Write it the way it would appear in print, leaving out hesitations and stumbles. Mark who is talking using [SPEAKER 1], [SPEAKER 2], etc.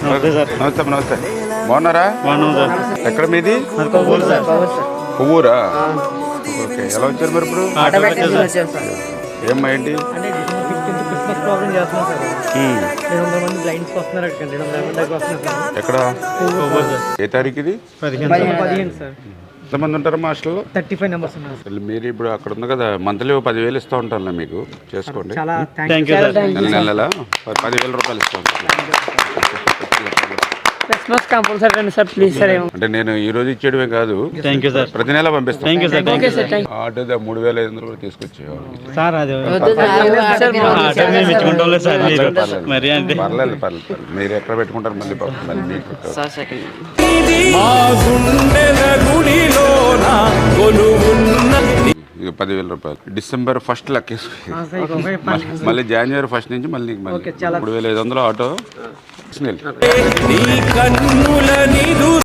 [SPEAKER 1] నమస్తే నమస్తే. బాగున్నారా? ఎక్కడ మీది? పువ్వురా? ఓకే. ఎలా వచ్చారు మరి ఇప్పుడు? ఏమ్మా ఏంటి? ఎక్కడ? ఏ తారీఖు ఇది? ఎంతమంది ఉంటారమ్మా హాస్టల్లో?
[SPEAKER 2] 35 మెంబర్స్ ఉన్నారు.
[SPEAKER 1] మీరు ఇప్పుడు అక్కడ ఉంది కదా, మంత్లీ 10,000 ఇస్తూ ఉంటాను మీకు, చేసుకోండి. నెల 10,000 రూపాయలు ఇస్తూ ఉంటాను. అంటే నేను ఈ రోజు ఇచ్చేయడమే కాదు, ప్రతి నెల పంపిస్తాను. ఆటో 3,500 కూడా తీసుకొచ్చేవాళ్ళు. పర్లేదు. మీరు ఎక్కడ పెట్టుకుంటారు మళ్ళీ మీకు. ఇక 10,000 రూపాయలు డిసెంబర్ 1 లెక్కేసుకుని మళ్ళీ జనవరి 1 నుంచి మళ్ళీ 3,500 ఆటో.